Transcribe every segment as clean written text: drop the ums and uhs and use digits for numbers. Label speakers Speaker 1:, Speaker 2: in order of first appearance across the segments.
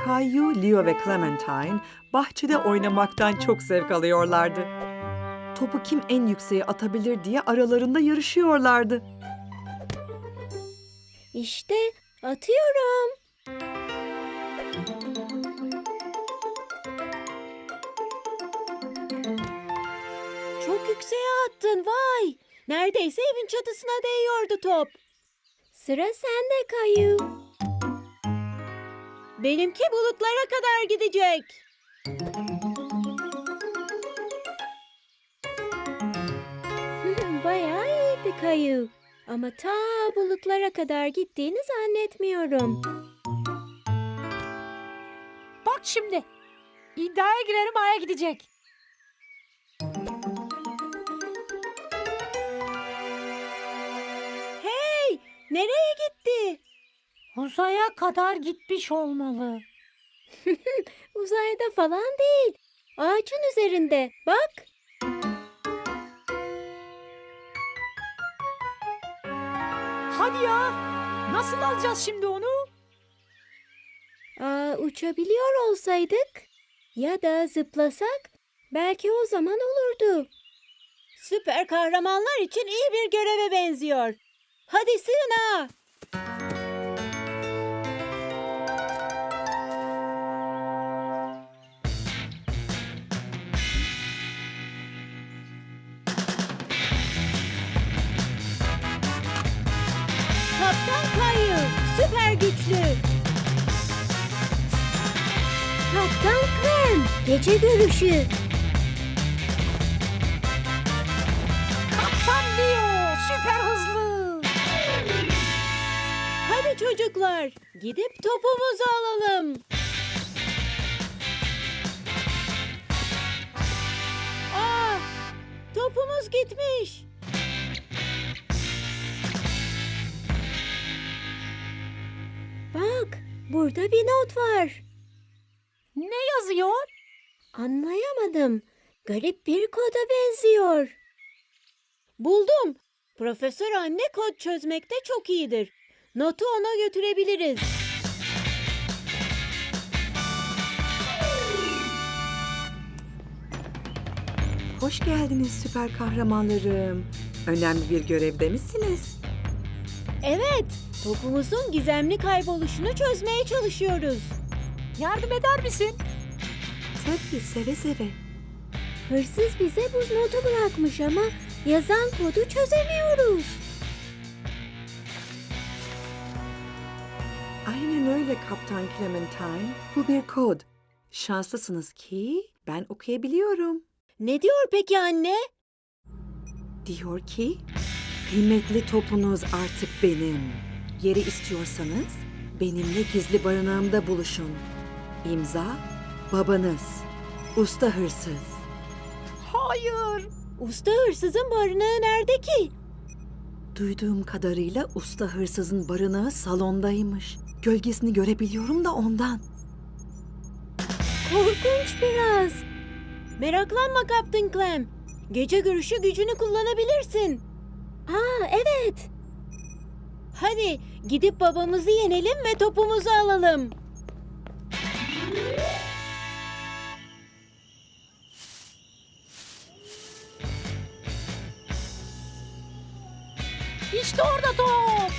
Speaker 1: Caillou, Leo ve Clementine bahçede oynamaktan çok zevk alıyorlardı. Topu kim en yükseğe atabilir diye aralarında yarışıyorlardı.
Speaker 2: İşte atıyorum. Çok yükseğe attın, vay. Neredeyse evin çatısına değiyordu top. Sıra sende Caillou. Benimki bulutlara kadar gidecek. Bayağı iyiydi Caillou. Ama ta bulutlara kadar gittiğini zannetmiyorum.
Speaker 3: Bak şimdi. İddiaya girerim, Ay'a gidecek.
Speaker 2: Hey, nereye gitti?
Speaker 3: Uzaya kadar gitmiş olmalı.
Speaker 2: Uzayda falan değil. Ağacın üzerinde. Bak.
Speaker 3: Hadi ya. Nasıl alacağız şimdi onu?
Speaker 2: Uçabiliyor olsaydık ya da zıplasak belki o zaman olurdu. Süper kahramanlar için iyi bir göreve benziyor. Hadi sığına. Kaptan Caillou, süper güçlü. Kaptan Clem, gece görüşü.
Speaker 3: Kaptan Leo, süper hızlı.
Speaker 2: Hadi çocuklar, gidip topumuzu alalım. Topumuz gitmiş. Bak, burada bir not var.
Speaker 3: Ne yazıyor?
Speaker 2: Anlayamadım. Garip bir koda benziyor. Buldum. Profesör anne kod çözmekte çok iyidir. Notu ona götürebiliriz.
Speaker 1: Hoş geldiniz süper kahramanlarım. Önemli bir görevde misiniz?
Speaker 2: Evet, topumuzun gizemli kayboluşunu çözmeye çalışıyoruz.
Speaker 3: Yardım eder misin?
Speaker 1: Tabii, seve seve.
Speaker 2: Hırsız bize buz notu bırakmış ama yazan kodu çözemiyoruz.
Speaker 1: Aynen öyle Kaptan Clementine. Bu bir kod. Şanslısınız ki ben okuyabiliyorum.
Speaker 2: Ne diyor peki anne?
Speaker 1: Diyor ki, kıymetli topunuz artık benim. Yeri istiyorsanız benimle gizli barınağımda buluşun. İmza, babanız. Usta hırsız.
Speaker 3: Hayır.
Speaker 2: Usta hırsızın barınağı nerede ki?
Speaker 1: Duyduğum kadarıyla usta hırsızın barınağı salondaymış. Gölgesini görebiliyorum da ondan.
Speaker 2: Korkunç biraz. Meraklanma Kaptan Clem. Gece görüşü gücünü kullanabilirsin. Evet. Hadi gidip babamızı yenelim ve topumuzu alalım.
Speaker 3: İşte orada top.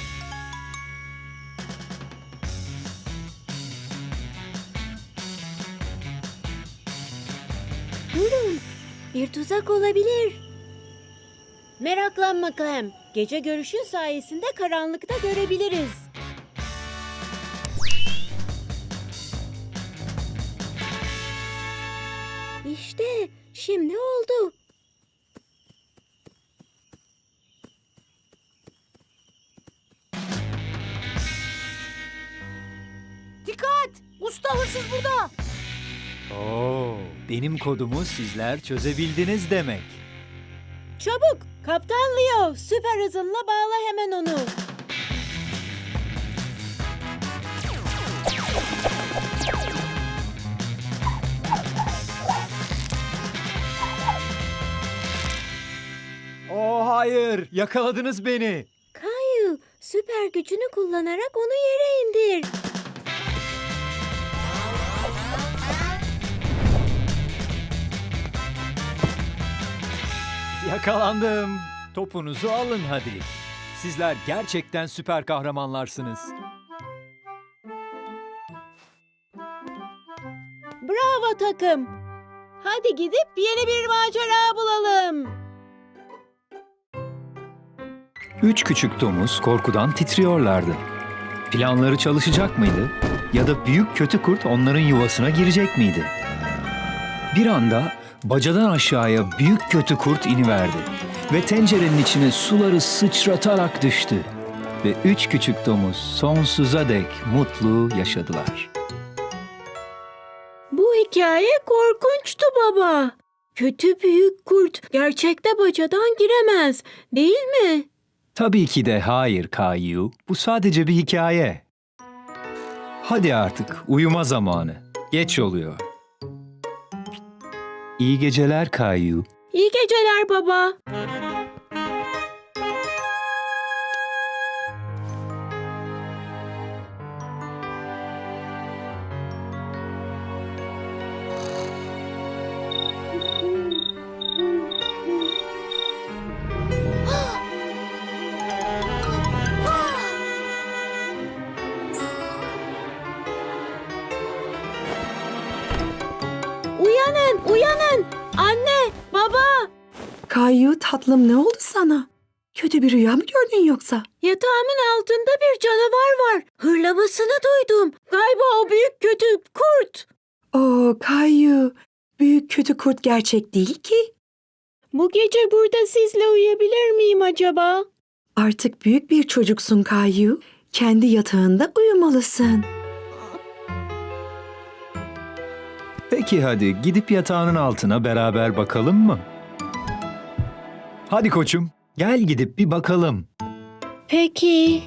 Speaker 2: Durun. Bir tuzak olabilir. Meraklanma Clem. Gece görüşün sayesinde karanlıkta görebiliriz. İşte şimdi oldu.
Speaker 3: Dikkat! Usta hırsız burada.
Speaker 4: Oo, benim kodumu sizler çözebildiniz demek.
Speaker 2: Çabuk Kaptan Leo süper hızınla bağla hemen onu.
Speaker 4: Oo hayır, yakaladınız beni.
Speaker 2: Caillou süper gücünü kullanarak onu yere indir.
Speaker 4: Yakalandım. Topunuzu alın hadi. Sizler gerçekten süper kahramanlarsınız.
Speaker 2: Bravo takım. Hadi gidip yeni bir macera bulalım.
Speaker 4: 3 küçük domuz korkudan titriyorlardı. Planları çalışacak mıydı? Ya da büyük kötü kurt onların yuvasına girecek miydi? Bir anda bacadan aşağıya büyük kötü kurt iniverdi ve tencerenin içine suları sıçratarak düştü. Ve 3 küçük domuz sonsuza dek mutlu yaşadılar.
Speaker 2: Bu hikaye korkunçtu baba. Kötü büyük kurt gerçekte bacadan giremez, değil mi?
Speaker 4: Tabii ki de hayır Kayu. Bu sadece bir hikaye. Hadi artık uyuma zamanı. Geç oluyor. İyi geceler Kayu.
Speaker 2: İyi geceler baba. Uyanın, uyanın. Anne, baba.
Speaker 1: Kayu tatlım, ne oldu sana? Kötü bir rüya mı gördün yoksa?
Speaker 2: Yatağımın altında bir canavar var. Hırlamasını duydum. Galiba o büyük kötü kurt.
Speaker 1: Oo Kayu, büyük kötü kurt gerçek değil ki.
Speaker 2: Bu gece burada sizle uyuyabilir miyim acaba?
Speaker 1: Artık büyük bir çocuksun Kayu. Kendi yatağında uyumalısın.
Speaker 4: Peki hadi gidip yatağının altına beraber bakalım mı? Hadi koçum, gel gidip bir bakalım.
Speaker 2: Peki.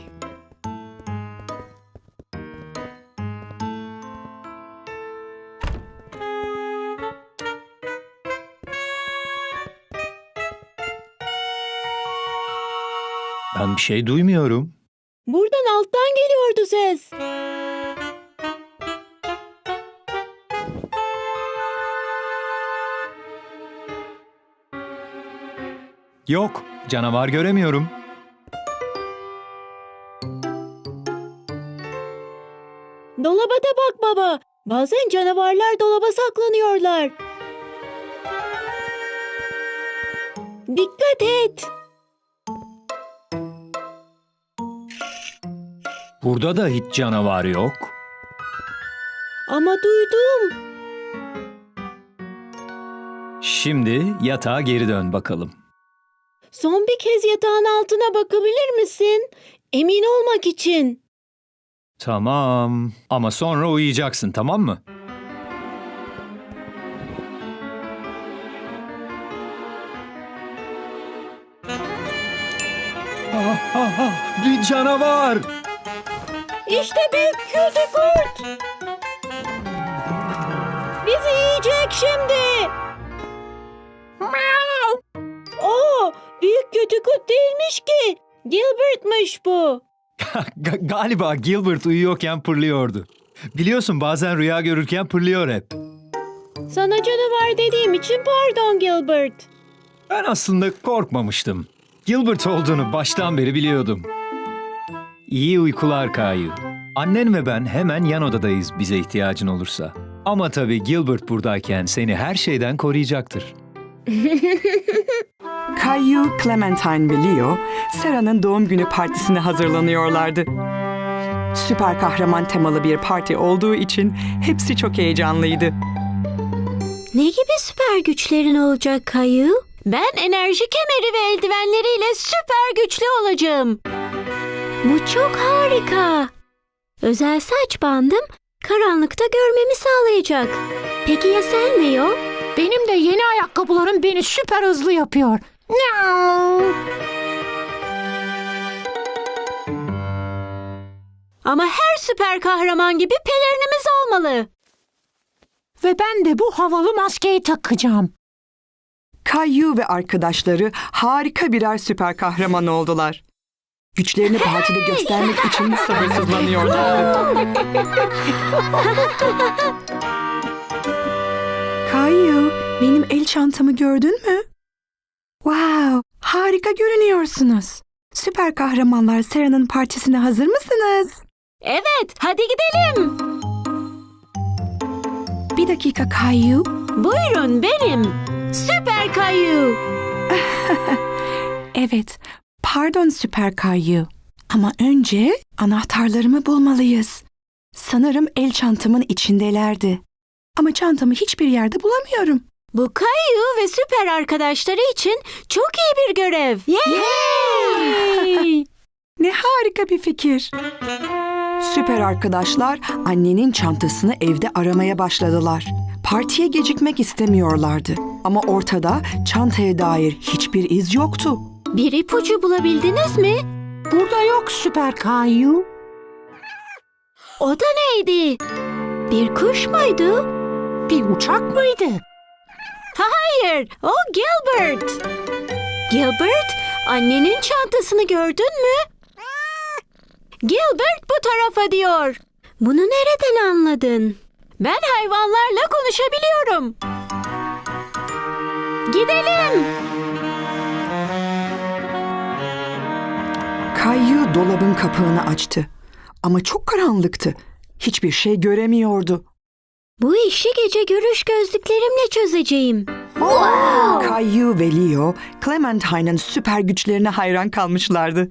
Speaker 4: Ben bir şey duymuyorum.
Speaker 2: Buradan alttan geliyordu ses.
Speaker 4: Yok, canavar göremiyorum.
Speaker 2: Dolaba da bak baba. Bazen canavarlar dolaba saklanıyorlar. Dikkat et.
Speaker 4: Burada da hiç canavar yok.
Speaker 2: Ama duydum.
Speaker 4: Şimdi yatağa geri dön bakalım.
Speaker 2: Son bir kez yatağın altına bakabilir misin? Emin olmak için.
Speaker 4: Tamam. Ama sonra uyuyacaksın, tamam mı? Bir canavar!
Speaker 2: İşte büyük kötü kurt. Bizi yiyecek şimdi. Oo, büyük kötü kurt değilmiş ki. Gilbert'mış bu.
Speaker 4: Galiba Gilbert uyuyorken pırlıyordu. Biliyorsun bazen rüya görürken pırlıyor hep.
Speaker 2: Sana canavar dediğim için pardon Gilbert.
Speaker 4: Ben aslında korkmamıştım. Gilbert olduğunu baştan beri biliyordum. İyi uykular Kayu. Annen ve ben hemen yan odadayız bize ihtiyacın olursa. Ama tabii Gilbert buradayken seni her şeyden koruyacaktır.
Speaker 1: Kayu, Clementine ve Leo, Sarah'nın doğum günü partisine hazırlanıyorlardı. Süper kahraman temalı bir parti olduğu için hepsi çok heyecanlıydı.
Speaker 2: Ne gibi süper güçlerin olacak Kayu? Ben enerji kemeri ve eldivenleriyle süper güçlü olacağım. Bu çok harika. Özel saç bandım karanlıkta görmemi sağlayacak. Peki ya sen Leo?
Speaker 3: Benim de yeni ayakkabılarım beni süper hızlı yapıyor.
Speaker 2: Ama her süper kahraman gibi pelerinimiz olmalı.
Speaker 3: Ve ben de bu havalı maskeyi takacağım.
Speaker 1: Kayu ve arkadaşları harika birer süper kahraman oldular. Güçlerini partide göstermek için sabırsızlanıyorlardı. Kayu, benim el çantamı gördün mü? Wow, Harika görünüyorsunuz. Süper kahramanlar Sera'nın partisine hazır mısınız?
Speaker 2: Evet, hadi gidelim.
Speaker 1: Bir dakika Kayu.
Speaker 2: Buyurun benim. Süper Kayu.
Speaker 1: Evet, pardon Süper Kayu. Ama önce anahtarlarımı bulmalıyız. Sanırım el çantamın içindelerdi. Ama çantamı hiçbir yerde bulamıyorum.
Speaker 2: Bu Kayu ve süper arkadaşları için çok iyi bir görev. Yay!
Speaker 1: Ne harika bir fikir. Süper arkadaşlar annenin çantasını evde aramaya başladılar. Partiye gecikmek istemiyorlardı. Ama ortada çantaya dair hiçbir iz yoktu.
Speaker 2: Bir ipucu bulabildiniz mi?
Speaker 3: Burada yok Süper Kayu.
Speaker 2: O da neydi? Bir kuş muydu?
Speaker 3: Bir uçak mıydı?
Speaker 2: Hayır, o Gilbert. Gilbert, annenin çantasını gördün mü? Gilbert bu tarafa diyor. Bunu nereden anladın? Ben hayvanlarla konuşabiliyorum. Gidelim.
Speaker 1: Kayu dolabın kapağını açtı. Ama çok karanlıktı. Hiçbir şey göremiyordu.
Speaker 2: Bu işi gece görüş gözlüklerimle çözeceğim.
Speaker 1: Kayu ve Leo, Clementine'ın süper güçlerine hayran kalmışlardı.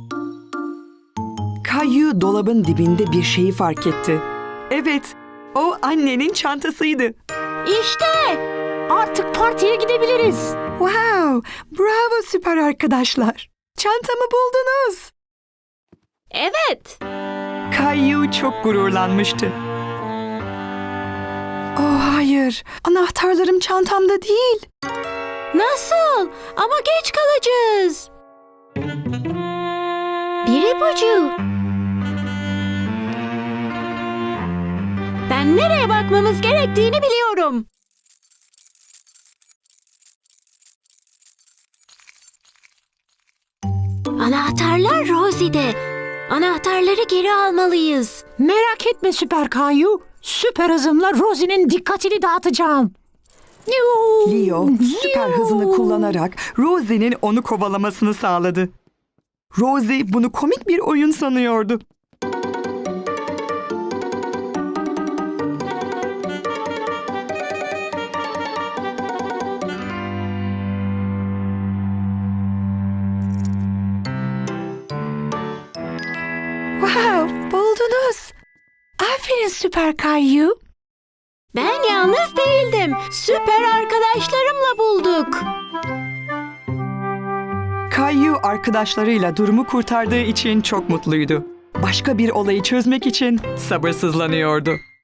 Speaker 1: Kayu dolabın dibinde bir şeyi fark etti. Evet, o annenin çantasıydı.
Speaker 2: İşte.
Speaker 3: Artık partiye gidebiliriz.
Speaker 1: Wow, bravo süper arkadaşlar. Çantamı buldunuz.
Speaker 2: Evet.
Speaker 1: Kayu çok gururlanmıştı. Oh hayır, anahtarlarım çantamda değil.
Speaker 2: Nasıl? Ama geç kalacağız. Bir ipucu. Ben nereye bakmamız gerektiğini biliyorum. Anahtarlar Rosie'de. Anahtarları geri almalıyız.
Speaker 3: Merak etme Süper Kayu. Süper hızımla Rosie'nin dikkatini dağıtacağım.
Speaker 1: Leo süper hızını kullanarak Rosie'nin onu kovalamasını sağladı. Rosie bunu komik bir oyun sanıyordu. Wow, buldunuz. Aferin Süper Kayu.
Speaker 2: Ben yalnız değildim. Süper arkadaşlarımla bulduk.
Speaker 1: Kayu arkadaşlarıyla durumu kurtardığı için çok mutluydu. Başka bir olayı çözmek için sabırsızlanıyordu.